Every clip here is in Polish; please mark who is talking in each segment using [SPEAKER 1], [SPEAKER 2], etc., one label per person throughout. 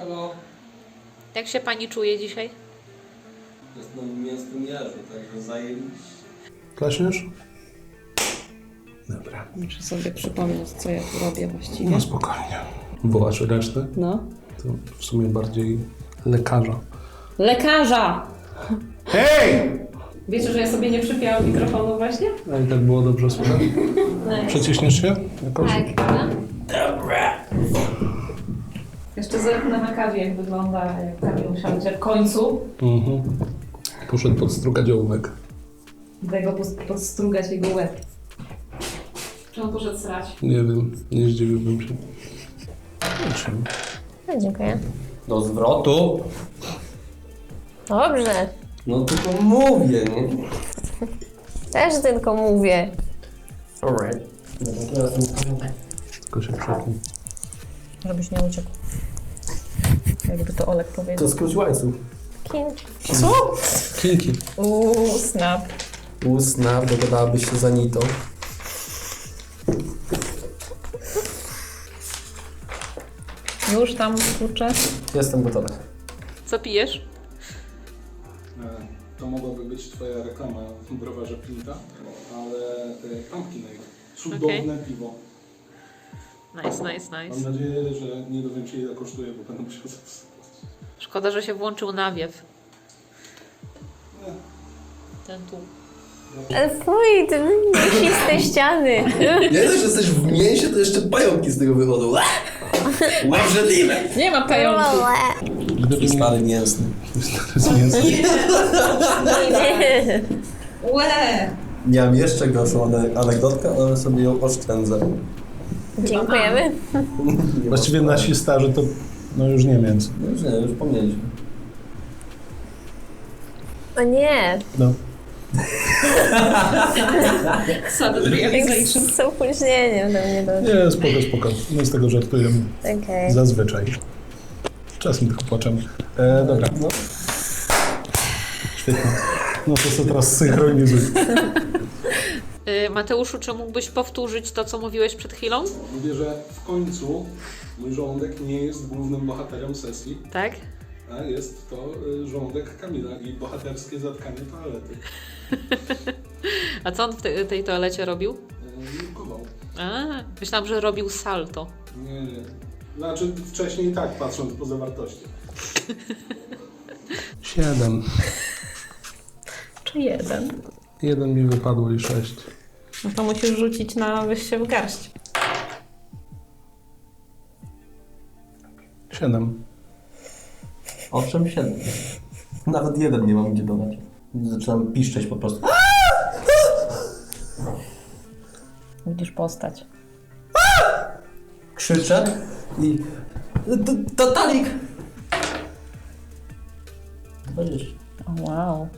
[SPEAKER 1] Halo.
[SPEAKER 2] Jak się pani czuje dzisiaj?
[SPEAKER 1] Jestem mięsnym jeżu, także zajebiście.
[SPEAKER 3] Klaśniesz? Dobra.
[SPEAKER 4] Muszę sobie przypomnieć, co ja tu robię właściwie.
[SPEAKER 3] No spokojnie. Wołasz resztę?
[SPEAKER 4] No.
[SPEAKER 3] To w sumie bardziej lekarza.
[SPEAKER 4] Lekarza!
[SPEAKER 3] Hej!
[SPEAKER 4] Wiecie, że ja sobie nie przypięłam mikrofonu właśnie?
[SPEAKER 3] A i tak było dobrze słychać? Przeciśniesz się jakoś?
[SPEAKER 4] Tak. Dobra. Jeszcze zerknę na kawie, jak wygląda, jak Kamil usiądzie w końcu.
[SPEAKER 3] Mhm. Poszedł podstrugać ołówek.
[SPEAKER 4] Idę go podstrugać jego łeb. Czy on poszedł srać?
[SPEAKER 3] Nie wiem, nie zdziwiłbym się. Zobaczymy.
[SPEAKER 5] No, dziękuję.
[SPEAKER 1] Do zwrotu?
[SPEAKER 5] Dobrze.
[SPEAKER 1] No tylko mówię, nie?
[SPEAKER 5] Też tylko mówię.
[SPEAKER 1] Alright.
[SPEAKER 3] Tylko się przetnij.
[SPEAKER 4] Żebyś nie uciekł. Jakby to Olek powiedział.
[SPEAKER 1] To skróć łańcuch.
[SPEAKER 5] King.
[SPEAKER 3] Kinki.
[SPEAKER 4] Snap.
[SPEAKER 1] Snap, dogadałabyś się za Nitą.
[SPEAKER 4] Już tam, kurczę.
[SPEAKER 1] Jestem gotowy.
[SPEAKER 2] Co pijesz?
[SPEAKER 3] To mogłaby być twoja reklama w browarze Pinta, ale Pumpkinade. Cudowne piwo.
[SPEAKER 2] Nice.
[SPEAKER 3] Mam nadzieję, że nie dowiem się ile kosztuje, bo będę musiał zastosować.
[SPEAKER 2] Szkoda, że się włączył nawiew. Ten tu.
[SPEAKER 5] Ale fuj, te mięsiste ściany.
[SPEAKER 1] Nie dość, że jesteś w mięsie, to jeszcze pająki z tego wychodzą. Obrzydliwe!
[SPEAKER 4] Nie ma pająków.
[SPEAKER 3] Gdyby
[SPEAKER 1] Stary mięsny.
[SPEAKER 4] Łe!
[SPEAKER 1] Miałem jeszcze gorszą anegdotkę, ale sobie ją oszczędzę.
[SPEAKER 5] Dziękujemy.
[SPEAKER 3] Właściwie nasi starzy to no już nie mięso.
[SPEAKER 1] No już nie, już pomnieliśmy.
[SPEAKER 5] O nie.
[SPEAKER 3] No.
[SPEAKER 4] Sudden
[SPEAKER 5] Z opóźnieniem do mnie doszło.
[SPEAKER 3] Nie, spoko. My z tego żartujemy.
[SPEAKER 5] Okej.
[SPEAKER 3] Zazwyczaj. Czasem tylko płaczemy. Dobra.
[SPEAKER 1] No.
[SPEAKER 3] Świetnie. No to sobie teraz synchronizuj.
[SPEAKER 2] Mateuszu, czy mógłbyś powtórzyć to, co mówiłeś przed chwilą?
[SPEAKER 3] Mówię, że w końcu mój żołądek nie jest głównym bohaterem sesji,
[SPEAKER 2] Tak?
[SPEAKER 3] a jest to żołądek Kamila i bohaterskie zatkanie toalety.
[SPEAKER 2] A co on w tej toalecie robił?
[SPEAKER 3] Nurkował.
[SPEAKER 2] A, myślałam, że robił salto.
[SPEAKER 3] Nie. Znaczy wcześniej tak, patrząc po zawartości. 7.
[SPEAKER 4] Czy jeden?
[SPEAKER 3] 1 mi wypadło i 6.
[SPEAKER 4] No to musisz rzucić na weź się w garść.
[SPEAKER 3] 7.
[SPEAKER 1] Owszem, 7. Nawet jeden nie mam gdzie dodać. Zaczynam piszczeć po prostu.
[SPEAKER 4] Widzisz postać.
[SPEAKER 1] Krzyczę i... Totalik! 20.
[SPEAKER 4] O, wow.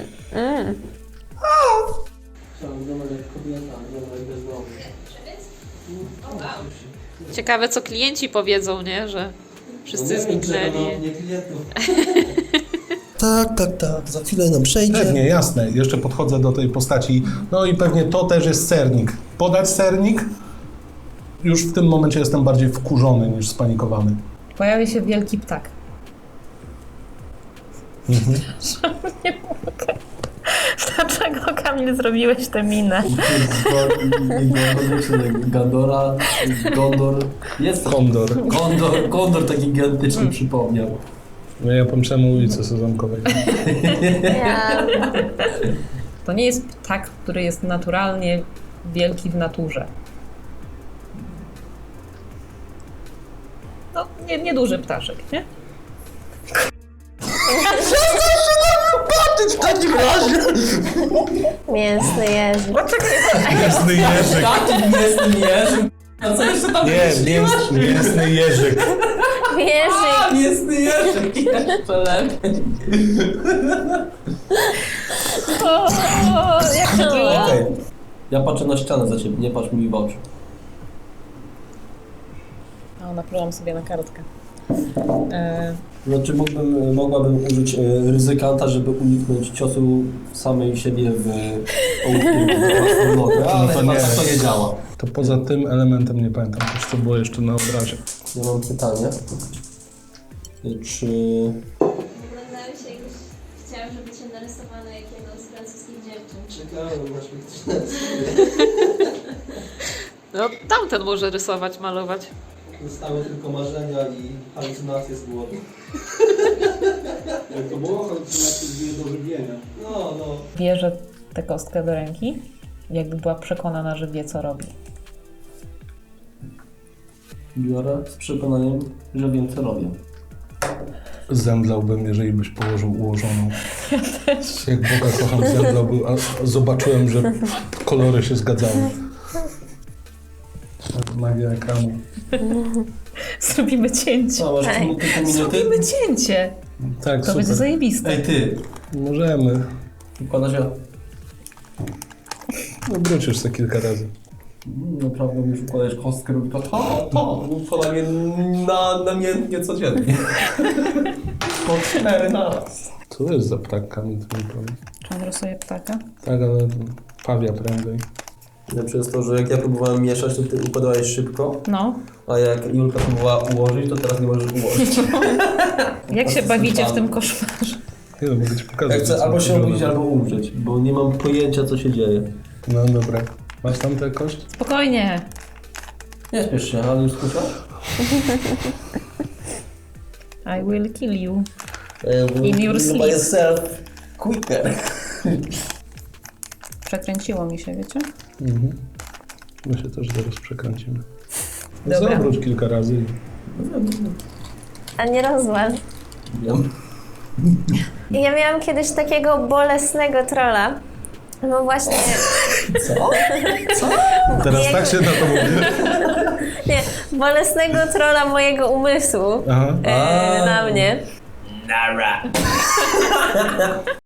[SPEAKER 2] Ciekawe, co klienci powiedzą, nie? Że wszyscy zniknęli.
[SPEAKER 1] Nie klientów. Tak. Za chwilę nam przejdzie.
[SPEAKER 3] Pewnie, jasne. Jeszcze podchodzę do tej postaci. No i pewnie to też jest sernik. Podać sernik? Już w tym momencie jestem bardziej wkurzony niż spanikowany.
[SPEAKER 4] Pojawi się wielki ptak. Nie mogę. Dlaczego, Kamil, zrobiłeś tę minę?
[SPEAKER 1] Gandora, Gondor. Jest
[SPEAKER 3] Kondor.
[SPEAKER 1] Kondor taki gigantyczny przypomniał.
[SPEAKER 3] No ja pomyślałem o ulicy Sezamkowej.
[SPEAKER 5] Ja.
[SPEAKER 4] To nie jest ptak, który jest naturalnie wielki w naturze. No, nieduży ptaszek, nie?
[SPEAKER 1] W takim razie!
[SPEAKER 5] Mięsny jeży.
[SPEAKER 3] Mięsny jeżyk.
[SPEAKER 1] Takim mięsnym jeżym. A co jeszcze tam
[SPEAKER 3] Nie, mięsny jeżyk.
[SPEAKER 5] Jeżyk.
[SPEAKER 1] Mięsny jeżyk. Jeszcze lepiej.
[SPEAKER 4] Jak to było?
[SPEAKER 1] Okej. Ja patrzę na ścianę za ciebie, nie patrz mi w oczy.
[SPEAKER 4] O, naplułam sobie na kartkę.
[SPEAKER 1] Znaczy mogłabym użyć ryzykanta, żeby uniknąć ciosu samej siebie w własną nogę, ale
[SPEAKER 3] to
[SPEAKER 1] chyba
[SPEAKER 3] nie.
[SPEAKER 1] tak to nie działa.
[SPEAKER 3] To poza tym elementem nie pamiętam też, co było jeszcze na obrazie.
[SPEAKER 1] Ja mam pytanie. Czy...
[SPEAKER 5] Oglądałem się już, chciałam, żeby cię narysowano jak jedną z francuskich dziewczyn.
[SPEAKER 1] Czekałem na śmierć.
[SPEAKER 2] No, tamten może rysować, malować.
[SPEAKER 1] Zostały tylko marzenia i halucynacje z głowy.
[SPEAKER 6] Jak to było? Halucynacje z do żywienia.
[SPEAKER 1] No.
[SPEAKER 4] Bierze tę kostkę do ręki, jakby była przekonana, że wie, co robi.
[SPEAKER 1] Biorę z przekonaniem, że wiem, co robię.
[SPEAKER 3] Zemdlałbym, jeżeli byś położył ułożoną. Jak Boga kocham, zemdlałbym, a zobaczyłem, że kolory się zgadzały. Magia ekranu.
[SPEAKER 4] Zrobimy cięcie.
[SPEAKER 1] Co, masz tylko minuty?
[SPEAKER 4] Zrobimy cięcie.
[SPEAKER 3] Tak,
[SPEAKER 4] To
[SPEAKER 3] super.
[SPEAKER 4] będzie zajebiste.
[SPEAKER 1] Ej, ty!
[SPEAKER 3] Możemy.
[SPEAKER 1] Układasz ja.
[SPEAKER 3] No wrócisz za kilka razy.
[SPEAKER 1] Naprawdę już układać kostkę, robi to. Układa mnie namiętnie codziennie. Po 4 naraz.
[SPEAKER 3] Co to jest za ptak, Kamil, ty mi powiedz?
[SPEAKER 4] Czy on rysuje ptaka?
[SPEAKER 3] Tak, ale pawia prędzej.
[SPEAKER 1] Ja przez to, że jak ja próbowałem mieszać, to ty układałeś szybko,
[SPEAKER 4] No.
[SPEAKER 1] a jak Julka próbowała ułożyć, to teraz nie możesz ułożyć.
[SPEAKER 4] Jak się bawicie w tym koszmarze?
[SPEAKER 3] Nie no, mogę ci pokazać.
[SPEAKER 1] Ja chcę
[SPEAKER 3] co
[SPEAKER 1] albo się
[SPEAKER 3] wygląda.
[SPEAKER 1] obudzić, albo umrzeć, bo nie mam pojęcia, co się dzieje.
[SPEAKER 3] No dobra. Masz tam tę kość?
[SPEAKER 4] Spokojnie.
[SPEAKER 1] Nie spiesz się, ale już skusiał?
[SPEAKER 4] I will kill you. In your sleep.
[SPEAKER 1] By yourself quicker.
[SPEAKER 4] Przekręciło mi się, wiecie?
[SPEAKER 3] Mhm. My się też zaraz przekręcimy.
[SPEAKER 4] Dobra.
[SPEAKER 3] Zawróć kilka razy.
[SPEAKER 5] A nie rozłam.
[SPEAKER 1] Wiem.
[SPEAKER 5] Ja miałam kiedyś takiego bolesnego trolla. No właśnie,
[SPEAKER 3] Teraz tak się na to mówi.
[SPEAKER 5] nie, bolesnego trolla mojego umysłu
[SPEAKER 3] Aha.
[SPEAKER 5] na mnie.
[SPEAKER 1] Nara.